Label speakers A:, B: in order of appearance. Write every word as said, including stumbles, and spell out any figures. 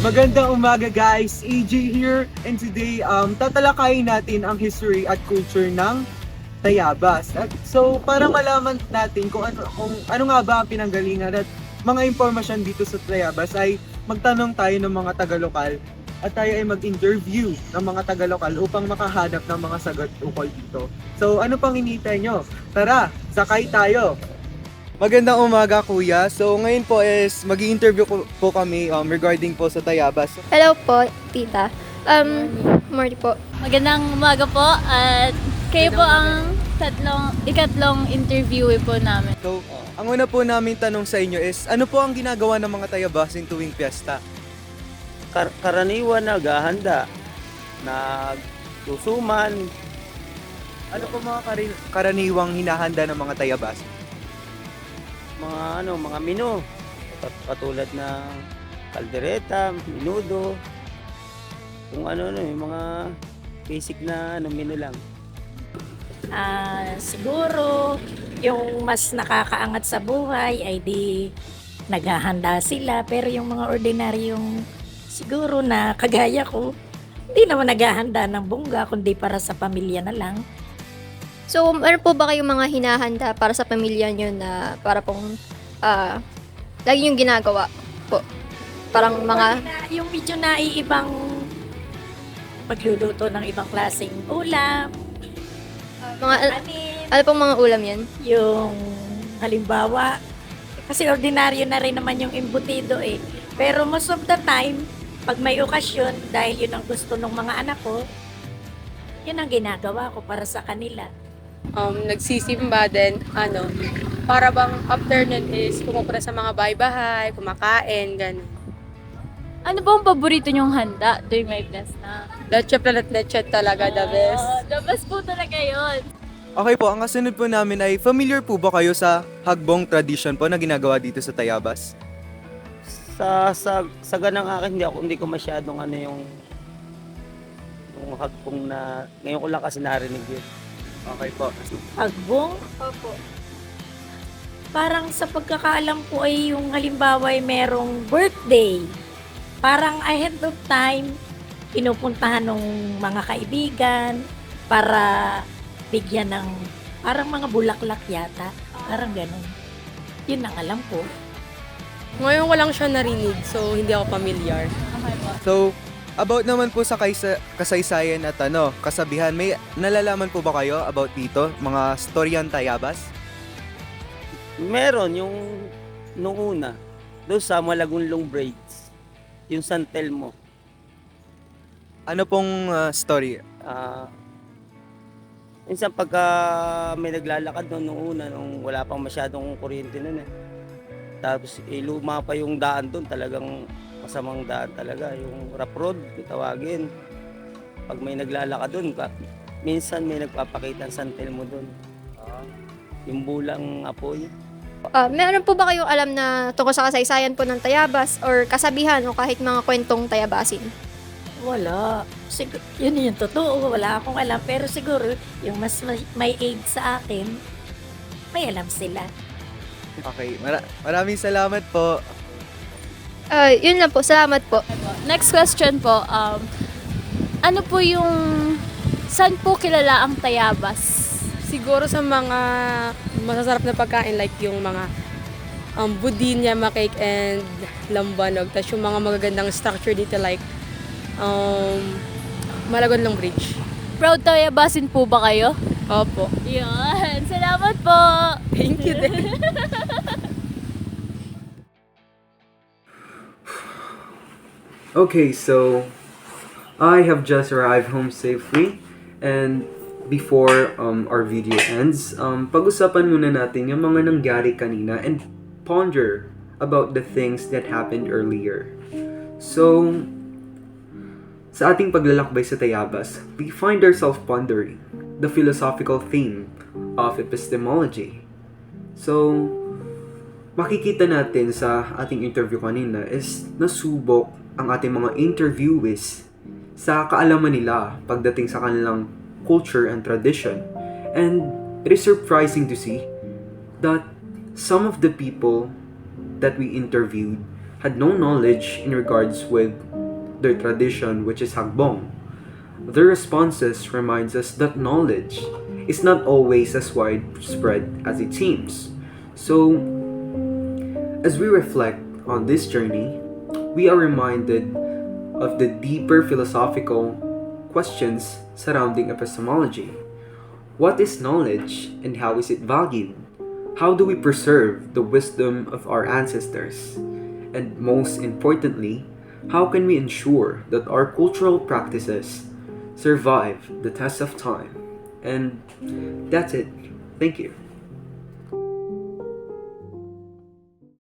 A: Magandang umaga guys, A J here, and today um, tatalakayin natin ang history at culture ng Tayabas. At so para malaman natin kung ano, kung ano nga ba ang pinanggalingan at mga impormasyon dito sa Tayabas ay magtanong tayo ng mga taga-lokal at tayo ay mag-interview ng mga taga-lokal upang makahanap ng mga sagot ukol dito. So ano pang hinihintay nyo? Tara, sakay tayo! Magandang umaga kuya. So ngayon po is mag-i-interview po, po kami um, regarding po sa Tayabas.
B: Hello po, tita. Um, morning po.
C: Magandang umaga po at kayo po ang tatlong, ikatlong interviewee po namin.
A: So, ang una po namin tanong sa inyo is, ano po ang ginagawa ng mga Tayabasin tuwing piyesta?
D: Kar- karaniwan naghahanda, nagsusuman,
A: Ano po mga kari- karaniwang hinahanda ng mga Tayabas?
D: mga ano, mga menu. Kat- Katulad ng kaldereta, minudo, kung ano ano, yung mga basic na ano, menu lang.
E: Ah, siguro yung mas nakakaangat sa buhay ay di naghahanda sila, pero yung mga ordinaryong siguro na kagaya ko, hindi naman naghahanda ng bongga kundi para sa pamilya na lang.
B: So, ano po ba kayong mga hinahanda para sa pamilya nyo na para pong ah lagi yung ginagawa po? Parang mga,
E: Na- yung medyo naiibang pagluluto ng ibang klaseng ulam,
B: mga
E: anin,
B: ano pong mga ulam yan?
E: yung halimbawa, kasi ordinaryo na rin naman yung embutido eh. Pero most of the time, pag may okasyon, dahil yun ang gusto ng mga anak ko, yun ang ginagawa ko para sa kanila.
F: um, nagsisimba din, ano, para bang after nun is pumupunta sa mga bahay-bahay, kumakain, gano'n.
C: Ano po ang paborito nyong handa tuwing may fiesta?
F: Leche planet leche talaga, the best.
C: Oh, the best po talaga yun.
A: Okay po, ang kasunod po namin ay, familiar po ba kayo sa hagbong tradition po na ginagawa dito sa Tayabas?
D: Sa sa sa ganang akin hindi ako hindi ko masyadong ano yung yung hagpong na ngayon ko lang kasi narinig yun.
A: Okay po.
E: Pagbong,
B: Opo.
E: parang sa pagkakaalam ko ay yung halimbawa ay merong birthday. Parang ahead of time, pinupuntahan ng mga kaibigan para bigyan ng parang mga bulaklak yata. Parang ganun. Yun ang alam ko.
F: Ngayon ko lang siya narinig, so hindi ako familiar.
C: Okay po.
A: So, about naman po sa kaysa, kasaysayan at ano, kasabihan, may nalalaman po ba kayo about dito? Mga storyan Tayabas?
D: Meron yung nung una doon sa Malagunlong Braids, yung San Telmo.
A: Ano pong ah, story?
D: Ah, minsan pagka may naglalakad noon nung una, nung wala pang masyadong kuryente noon eh. Tapos eh, luma pa yung daan doon, talagang masamang daan talaga. Yung rough road, kung tawagin. Pag may naglalakad doon, ka- minsan may nagpapakita ng San Telmo doon. Yung bulang apoy.
B: Ah, meron po ba kayong alam na tungkol sa kasaysayan po ng Tayabas or kasabihan o kahit mga kwentong Tayabasin?
E: Wala. Sigur- yun yung totoo. Wala akong alam. Pero siguro, yung mas may, may age sa akin, may alam sila.
A: Okay, mara- maraming salamat po.
B: Ah, yun lang po. Salamat po.
C: Next question po, um, ano po yung, saan po kilala ang Tayabas?
F: Siguro sa mga masasarap na pagkain, like yung mga um, budin, yama cake, and lambanog. Tapos yung mga magagandang structure dito, like um, Malagonlong Bridge.
C: Proud Tayabasin po ba kayo?
F: Opo.
C: Yun, salamat po!
F: Thank you din.
G: Okay, so I have just arrived home safely, and before um, our video ends, um, pag-usapan muna natin yung mga nangyari kanina and ponder about the things that happened earlier. So, sa ating paglalakbay sa Tayabas, we find ourselves pondering the philosophical theme of epistemology. So, makikita natin sa ating interview kanina is nasubok ang ating mga interviewees sa kaalaman nila pagdating sa kanilang culture and tradition. And it is surprising to see that some of the people that we interviewed had no knowledge in regards with their tradition, which is Hagbong. Their responses reminds us that knowledge is not always as widespread as it seems. So, as we reflect on this journey, we are reminded of the deeper philosophical questions surrounding epistemology. What is knowledge and how is it valued? How do we preserve the wisdom of our ancestors? And most importantly, how can we ensure that our cultural practices survive the test of time? And that's it. Thank you.